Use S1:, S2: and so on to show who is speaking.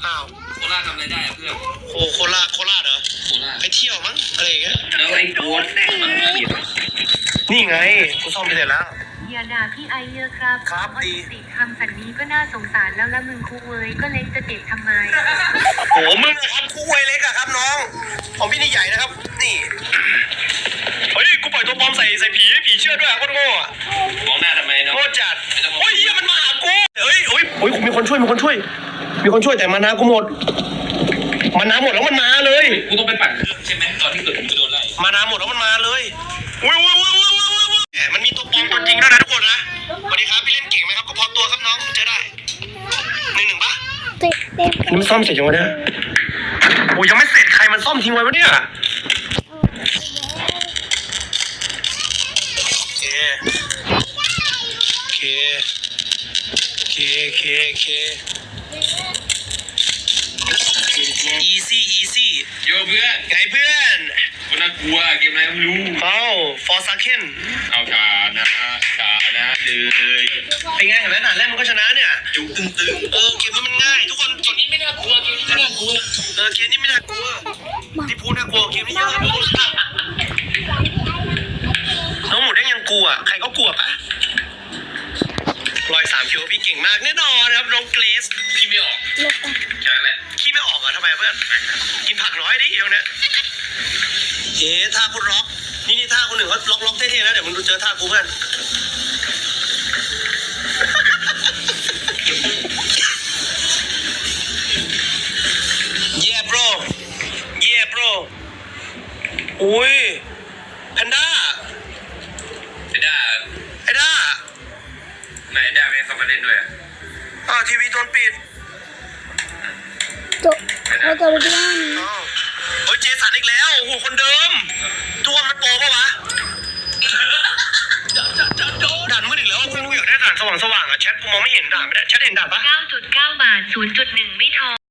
S1: อ้าว
S2: โคราชทำอะไรได้เพื่อน
S1: โคราชเหรอไปเที่ยวมั้งอะไรอย่างเงี้ย
S2: แล้วไอ้โกดแม่มันเหี้ย
S1: นี่ไงกูซ่อมไปเสร็จแล้ว
S3: อย่าด่าพี่ไอเยอะครับ
S1: ครับดี
S3: สิทำแบบนี้ก็น่าสงสารแล้วละมึงคูเวยก็เล็กจะเด็ดทำไม
S1: โอ้มึงนะครับคู่ไวเล็กอะครับน้องของพี่นี่ใหญ่นะครับนี่เฮ้ยกูปล่อยตัวปลอมใส่ผีเชื่อด้วยโคตรโง่อะ
S2: มองหน้าทำไมเนาะ
S1: โง่จัดโอ้ยเฮียมันมาหากูเฮ้ยมีคนช่วยแต่มานากูหมดแล้วมันมาเลย
S2: กูต้องไปปั่นเครื่องใช่ไหมตอนที่เกิดผมจะโดนไล่
S1: มานาหมดแล้วมันมาเลยอุ้ยแหมมันมีตัวปลอมตัวจริงด้วยนะทุกคนนะสวัสดีครับพี่เล่นเก่งไหมครับก็พอตัวครับน้องเจอได้1-1ปะมันซ่อมเสร็จยังวะเนี่ยโอ้ยยังไม่เสร็จใครมันซ่อมทิ้งไว้วะเนี่ยโอเคeasy
S2: โยเพื่อน
S1: ไงเพื่อน
S2: คนน่ากลัวเกมอะไรไม่รู้
S1: ฟอร์ซาเคน
S2: เอาชานะเลย
S1: เป็นไงเห็นไหมด่านแรกมันก็ชนะเนี่ย
S2: จุกตึง
S1: เกมนี้มันง่ายทุกคน
S2: เกมนี้ไม่น่ากลัวเกมนี้ไม่น่ากลัว
S1: เกมนี้ไม่น่ากลัวที่พูดน่ากลัวเกมนี้เยอะน้องหมูเด้งยังกลัวใครก็กลัวปะ103 คิวพี่เก่งมากแน่นอนครับน้องเกรซ
S2: พี่ไม่ออกแค่นั้นแหละ
S1: ขี้ไม่ออกเหรอทำไมเพื่อนกินผักน้อยดิตรงเนี้ยท่าคุณล็อกนี่ท่าคนหนึ่งเขาล็อกเท่ๆนะเดี๋ยวมึงดูเจอท่ากูเพื่อนYeah bro อุ้ยแพนด้า
S2: ไอ้ด้าไหนด้าไม่เข้ามาเล่นด้วยอ่ะ
S1: ทีวีโดนปิด
S3: เราจะไปที่นั่น
S1: เฮ้ยเจสันอีกแล้วโอ้โหคนเดิมตัวมันโปรปะวะด่านมืดอีกแล้วกูอยากได้ด่านสว่างอ่ะแชทกูมองไม่เห็นด่านไม่ได้แชทเห็นด่านปะ
S3: 9.9 บาท 0.1 ไม่ทอ